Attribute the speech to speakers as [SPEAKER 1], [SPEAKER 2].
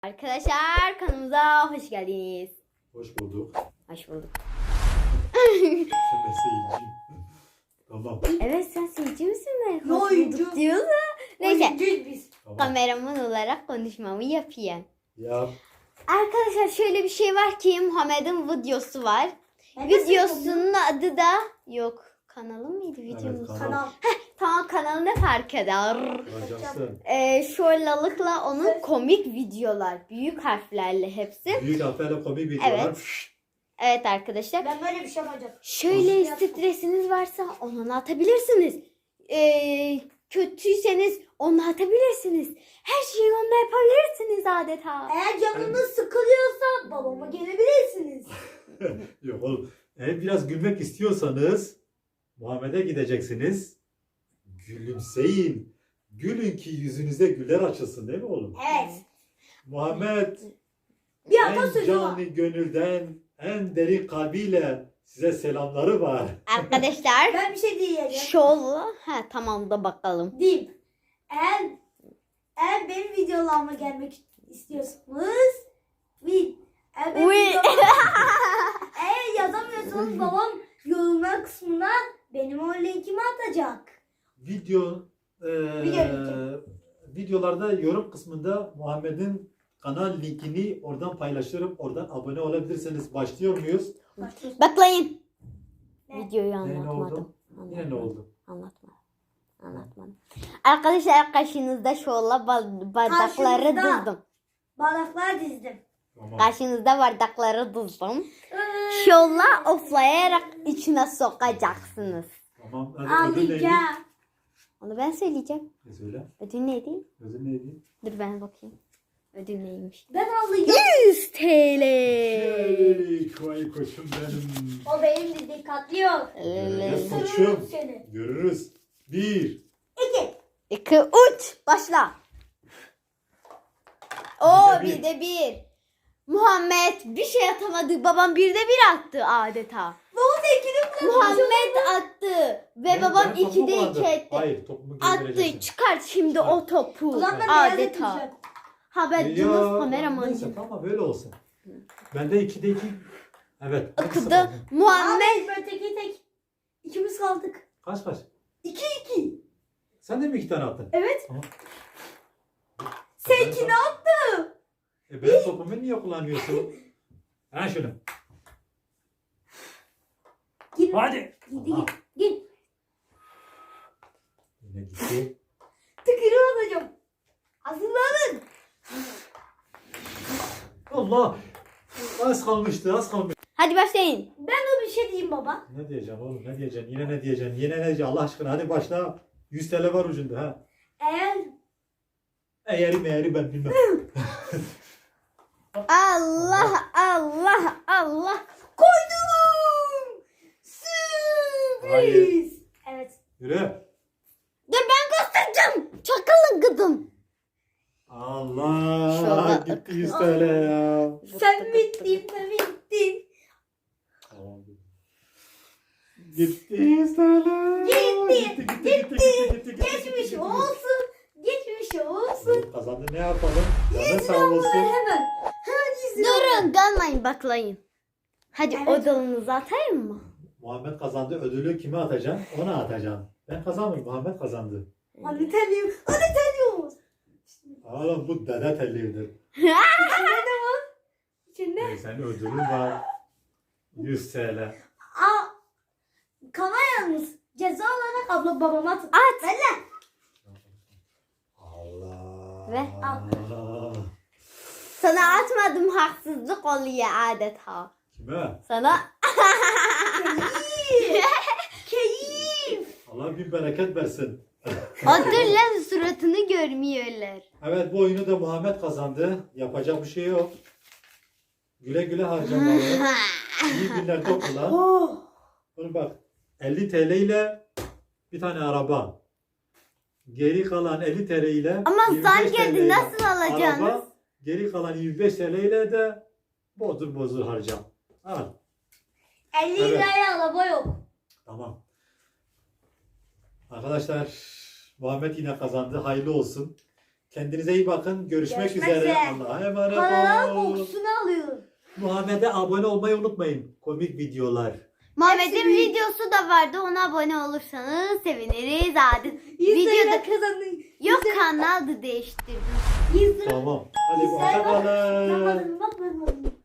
[SPEAKER 1] Arkadaşlar kanalımıza hoş geldiniz.
[SPEAKER 2] Hoş bulduk.
[SPEAKER 1] Hoş bulduk.
[SPEAKER 2] Sen seyirciyim. Tamam.
[SPEAKER 1] Evet sen seyirci misin be?
[SPEAKER 3] Yo,
[SPEAKER 1] Hoş
[SPEAKER 3] oyuncu.
[SPEAKER 1] bulduk diyorsun. Neyse
[SPEAKER 3] Oyuncuyuz biz.
[SPEAKER 2] Tamam.
[SPEAKER 1] kameraman olarak konuşmamı yapayım.
[SPEAKER 2] Ya
[SPEAKER 1] Arkadaşlar şöyle bir şey var ki Muhammed'in videosu var.
[SPEAKER 3] Ben de
[SPEAKER 1] Videosunun adı da yok. Kanalı mıydı videomuz?
[SPEAKER 2] kanal.
[SPEAKER 3] Kanal.
[SPEAKER 1] Tamam kanalı ne fark eder?
[SPEAKER 2] Racaksın.
[SPEAKER 1] Şöyle onun komik videolar. Büyük harflerle hepsi.
[SPEAKER 2] Büyük harflerle komik videolar.
[SPEAKER 1] Evet. Evet arkadaşlar.
[SPEAKER 3] Ben böyle bir şey yapacağım.
[SPEAKER 1] Şöyle
[SPEAKER 3] Nasıl
[SPEAKER 1] stresiniz varsa onu atabilirsiniz. Kötüyseniz onu atabilirsiniz. Her şeyi onunla yapabilirsiniz adeta.
[SPEAKER 3] Eğer canınız sıkılıyorsa babama gelebilirsiniz.
[SPEAKER 2] Yok oğlum. Eğer biraz gülmek istiyorsanız Muhammed'e gideceksiniz. Gülümseyin. Gülün ki yüzünüze güler açılsın değil mi oğlum?
[SPEAKER 3] Evet.
[SPEAKER 2] Muhammed
[SPEAKER 3] Bir
[SPEAKER 2] en
[SPEAKER 3] atasözü var.
[SPEAKER 2] canı gönülden en derin kalbiyle size selamları var.
[SPEAKER 1] Arkadaşlar
[SPEAKER 3] Ben bir şey diyeceğim.
[SPEAKER 1] şöyle tamam da bakalım.
[SPEAKER 3] Diyeyim. Eğer benim videolarıma gelmek istiyorsanız eğer benim eğer yazamıyorsanız babam yorumlar kısmına benim o linkimi atacak.
[SPEAKER 2] Video
[SPEAKER 3] Video
[SPEAKER 2] videolarda yorum kısmında Muhammed'in kanal linkini oradan paylaşırım. Oradan abone olabilirsiniz. Başlıyor muyuz?
[SPEAKER 1] Baklayın.
[SPEAKER 3] Ne?
[SPEAKER 1] Videoyu
[SPEAKER 2] Ne
[SPEAKER 1] anlatmadım.
[SPEAKER 2] oldu? Yine ne oldu?
[SPEAKER 1] Anlatmadım. Arkadaşlar karşınızda şöyle bardakları
[SPEAKER 3] Karşınızda.
[SPEAKER 1] dizdim.
[SPEAKER 3] Bardaklar dizdim.
[SPEAKER 2] Tamam.
[SPEAKER 1] Karşınızda bardakları dizdim. Şöyle oflayarak içine sokacaksınız.
[SPEAKER 2] Tamam. Hadi ödül neydi?
[SPEAKER 3] Ağlayacağım.
[SPEAKER 1] Onu ben söyleyeceğim.
[SPEAKER 2] Ne söyle?
[SPEAKER 1] Ödül neydi?
[SPEAKER 2] Ödül neydi?
[SPEAKER 1] Dur ben bakayım. Ödül neymiş?
[SPEAKER 3] Ben ağlayacağım.
[SPEAKER 1] 100 TL.
[SPEAKER 2] Vay koçum benim.
[SPEAKER 3] O benim de dikkatli yok.
[SPEAKER 2] Göreceğiz
[SPEAKER 3] Sırrım
[SPEAKER 2] koçum.
[SPEAKER 3] seni.
[SPEAKER 2] Görürüz. 1.
[SPEAKER 3] 2.
[SPEAKER 1] 2, 3. Başla. Oo
[SPEAKER 2] Bir de
[SPEAKER 1] bir de bir. Muhammed bir şey atamadı. Babam bir de bir attı adeta.
[SPEAKER 3] Baba da ikili
[SPEAKER 1] Muhammed attı. Ve babam 2'de 2 etti.
[SPEAKER 2] Hayır topumu
[SPEAKER 1] Attı.
[SPEAKER 2] göndereceksin.
[SPEAKER 1] Çıkar şimdi o topu.
[SPEAKER 3] O zaman ben beyaz
[SPEAKER 1] Adeta.
[SPEAKER 3] yapacağım.
[SPEAKER 1] Ha ben
[SPEAKER 2] Ya,
[SPEAKER 1] Yunus kameramanıyım.
[SPEAKER 2] Neyse tamam böyle olsun. Bende 2'de 2. Evet. hangisi
[SPEAKER 1] Okudu.
[SPEAKER 2] kaldı?
[SPEAKER 1] Muhammed.
[SPEAKER 3] Ahmet böyle tek. İkimiz kaldık.
[SPEAKER 2] Kaç kaç?
[SPEAKER 3] 2.
[SPEAKER 2] Sen de mi 2 tane attın?
[SPEAKER 3] Evet.
[SPEAKER 2] Tamam.
[SPEAKER 3] Seninki ne yaptı?
[SPEAKER 2] Benim topumu niye kullanmıyorsun? Ha şunu.
[SPEAKER 3] Git.
[SPEAKER 2] Hadi.
[SPEAKER 3] Git
[SPEAKER 2] Aha.
[SPEAKER 3] git.
[SPEAKER 2] Yine gitti.
[SPEAKER 3] Tıkırı alacağım. Hazırlanın.
[SPEAKER 2] Allah. Az kalmıştı az kalmıştı.
[SPEAKER 1] Hadi başlayın.
[SPEAKER 3] Ben de bir şey diyeyim baba.
[SPEAKER 2] Ne diyeceğim oğlum ne diyeceksin? Yine ne diyeceksin? Yine ne diyeceksin? Allah aşkına hadi başla. 100 TL var ucunda ha.
[SPEAKER 3] Eğer
[SPEAKER 2] Eğeri meğeri ben bilmem.
[SPEAKER 1] Allah Allah Allah.
[SPEAKER 3] koydum.
[SPEAKER 2] Hayır.
[SPEAKER 3] Sürpriz. Evet.
[SPEAKER 2] Yürü.
[SPEAKER 1] Dur ben göstereceğim. Çakalın gıdım.
[SPEAKER 2] Allah.
[SPEAKER 1] Şurada.
[SPEAKER 2] Gitti 100 TL ya.
[SPEAKER 3] Sen bittin. Sen bittin.
[SPEAKER 2] Tamam. Gitti 100 TL.
[SPEAKER 3] Gitti. Geçmiş olsun. Geçmiş olsun.
[SPEAKER 2] Kazandı ne yapalım? Canın sağ
[SPEAKER 3] Hemen.
[SPEAKER 2] olsun.
[SPEAKER 3] Hemen 100 lira.
[SPEAKER 1] Durun kalmayın baklayın. Hadi
[SPEAKER 3] Evet.
[SPEAKER 1] odalarınızı atayım mı?
[SPEAKER 2] Muhammed kazandı. Ödülü kime atacaksın? Ona atacaksın. Ben kazanmadım. Muhammed kazandı.
[SPEAKER 3] Hadi telliyorum. Hadi telliyoruz.
[SPEAKER 2] Oğlum bu dede tellidir.
[SPEAKER 3] İçinde ne var? İçinde.
[SPEAKER 2] Senin ödülün var. 100 TL.
[SPEAKER 3] Aa, kana yalnız. Ceza olarak abla babama at.
[SPEAKER 1] At.
[SPEAKER 3] Ver lan.
[SPEAKER 2] Allah.
[SPEAKER 1] Ve
[SPEAKER 2] al.
[SPEAKER 1] Sana atmadım haksızlık oluyor adeta.
[SPEAKER 2] Kime?
[SPEAKER 1] Sana
[SPEAKER 3] Keyif.
[SPEAKER 2] Allah bin bereket versin.
[SPEAKER 1] hatırla suratını görmüyorlar.
[SPEAKER 2] Evet bu oyunu da Muhammed kazandı. Yapacak bir şey yok. Güle güle harcamalı. İyi günlerde kullan.
[SPEAKER 3] Oh.
[SPEAKER 2] Oğlum bak 50 TL ile bir tane araba. Geri kalan 50 TL ile
[SPEAKER 1] Ama
[SPEAKER 2] 25
[SPEAKER 1] zam
[SPEAKER 2] TL
[SPEAKER 1] geldi
[SPEAKER 2] ile
[SPEAKER 1] nasıl alacaksınız?
[SPEAKER 2] araba, geri kalan 25 TL ile de bozdur harca. Al.
[SPEAKER 3] 50
[SPEAKER 2] Evet.
[SPEAKER 3] liraya araba yok.
[SPEAKER 2] Tamam. Arkadaşlar Muhammed yine kazandı. Hayırlı olsun. Kendinize iyi bakın. Görüşmek
[SPEAKER 3] Görüşmek
[SPEAKER 2] üzere.
[SPEAKER 3] üzere.
[SPEAKER 2] Allah'a emanet
[SPEAKER 3] Kanalın
[SPEAKER 2] olun.
[SPEAKER 3] kokusunu alıyorum.
[SPEAKER 2] Muhammed'e abone olmayı unutmayın. Komik videolar.
[SPEAKER 1] Muhammed'in
[SPEAKER 3] Hepsi büyük.
[SPEAKER 1] videosu da vardı. Ona abone olursanız seviniriz. Hadi.
[SPEAKER 3] 100
[SPEAKER 1] Videoda
[SPEAKER 3] lira kazandın.
[SPEAKER 1] yok, kanal da değiştirdim.
[SPEAKER 3] 100 lira.
[SPEAKER 2] Tamam. Hadi
[SPEAKER 3] Sen bak.
[SPEAKER 2] hoşçakalın.
[SPEAKER 3] Bak.